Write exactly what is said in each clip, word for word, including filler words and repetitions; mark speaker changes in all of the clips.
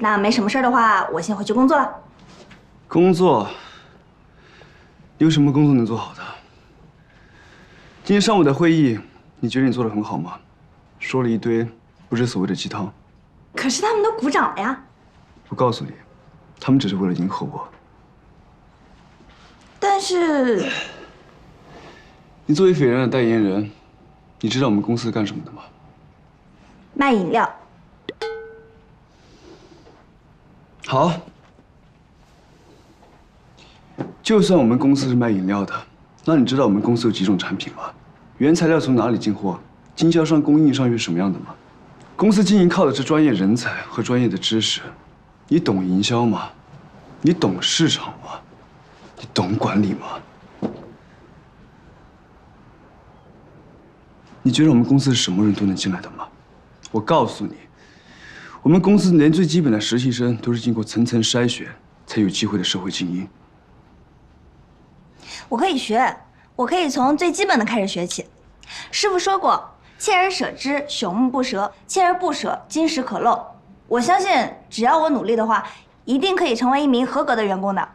Speaker 1: 那没什么事儿的话，我先回去工作了。
Speaker 2: 工作？你有什么工作能做好的？今天上午的会议，你觉得你做得很好吗？说了一堆不知所谓的鸡汤。
Speaker 1: 可是他们都鼓掌了呀。
Speaker 2: 我告诉你，他们只是为了迎合我。
Speaker 1: 但是，
Speaker 2: 你作为斐然的代言人，你知道我们公司是干什么的吗？
Speaker 1: 卖饮料。
Speaker 2: 好。 就算我们公司是卖饮料的，那你知道我们公司有几种产品吗？原材料从哪里进货？经销商、供应商又是什么样的吗？公司经营靠的是专业人才和专业的知识。你懂营销吗？你懂市场吗？你懂管理吗？你觉得我们公司是什么人都能进来的吗？我告诉你，我们公司连最基本的实习生都是经过层层筛选才有机会的社会精英。
Speaker 1: 我可以学，我可以从最基本的开始学起。师傅说过，锲而舍之，朽木不折；锲而不舍，金石可镂。我相信，只要我努力的话，一定可以成为一名合格的员工的。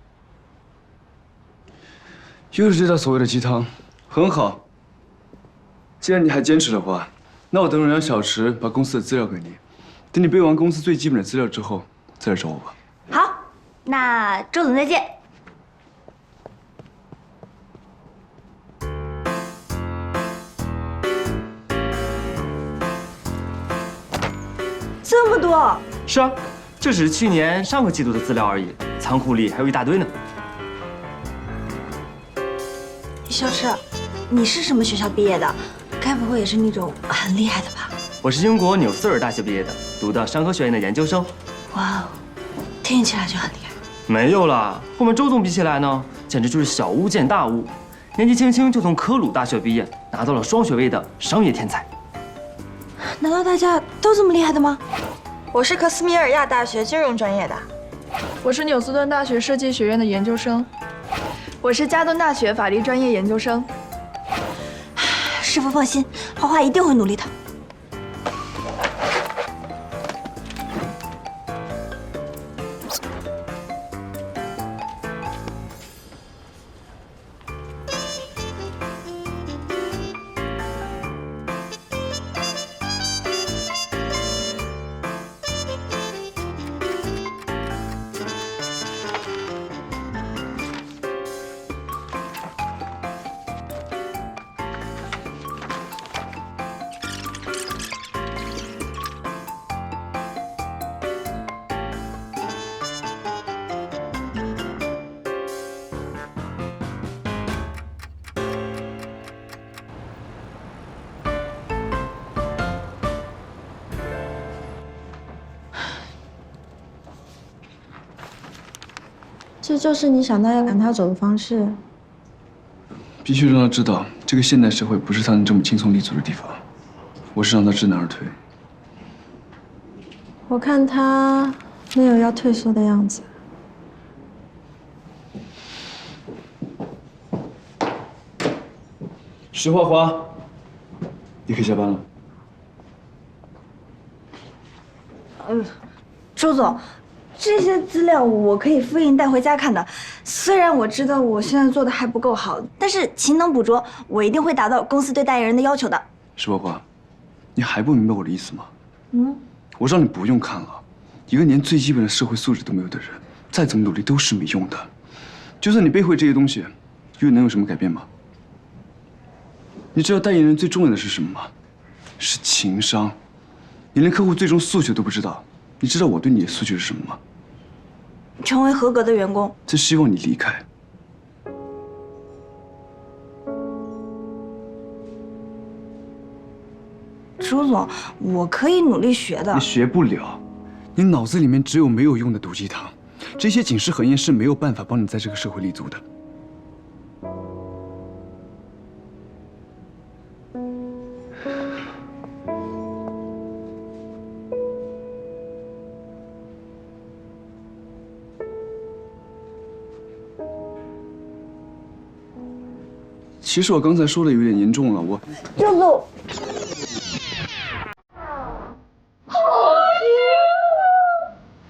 Speaker 2: 又是这套所谓的鸡汤，很好。既然你还坚持的话，那我等会让小池把公司的资料给你。等你背完公司最基本的资料之后，再来找我吧。
Speaker 1: 好，那周总再见。 这么多？
Speaker 3: 是啊，这只是去年上个季度的资料而已，仓库里还有一大堆呢。
Speaker 1: 小池，你是什么学校毕业的？该不会也是那种很厉害的吧？
Speaker 3: 我是英国纽斯尔大学毕业的，读的商科学院的研究生。
Speaker 1: 哇哦，听起来就很厉害。
Speaker 3: 没有啦，和我们周总比起来呢，简直就是小巫见大巫。年纪轻轻就从科鲁大学毕业，拿到了双学位的商业天才。
Speaker 1: 难道大家都这么厉害的吗？
Speaker 4: 我是克斯米尔亚大学金融专业的，
Speaker 5: 我是纽斯顿大学设计学院的研究生，我是加顿大学法律专业研究生。
Speaker 1: 师傅放心，花花一定会努力的。
Speaker 4: 这就是你想到要赶他走的方式。
Speaker 2: 必须让他知道，这个现代社会不是他能这么轻松立足的地方。我是让他知难而退。
Speaker 4: 我看他没有要退缩的样子。
Speaker 2: 石花花，你可以下班了。
Speaker 1: 嗯，周总。 这些资料我可以复印带回家看的。虽然我知道我现在做的还不够好，但是勤能补拙，我一定会达到公司对代言人的要求的。
Speaker 2: 石花花，你还不明白我的意思吗？
Speaker 1: 嗯，
Speaker 2: 我让你不用看了。一个连最基本的社会素质都没有的人，再怎么努力都是没用的。就算你背会这些东西，又能有什么改变吗？你知道代言人最重要的是什么吗？是情商。你连客户最终诉求都不知道，你知道我对你的诉求是什么吗？
Speaker 1: 成为合格的员工，
Speaker 2: 是希望你离开。
Speaker 1: 周总，我可以努力学的。
Speaker 2: 你学不了，你脑子里面只有没有用的毒鸡汤，这些警示横言是没有办法帮你在这个社会立足的。其实我刚才说的有点严重了，我。
Speaker 1: 周总。
Speaker 6: 啊！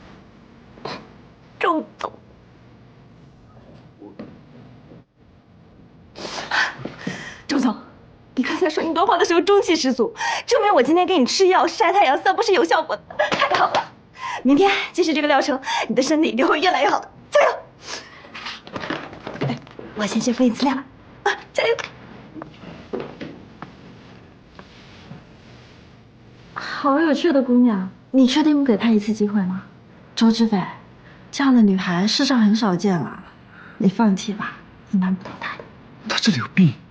Speaker 1: 情多慌的时候中气十足，证明我今天给你吃药晒太阳散步是有效果的，太好了！明天继续这个疗程，你的身体一定会越来越好的，加油！哎，我先去敷一次料了，啊，加油！
Speaker 4: 好有趣的姑娘，你确定不给她一次机会吗？周志飞，这样的女孩世上很少见了，你放弃吧，你难不倒她的。
Speaker 2: 他这里有病。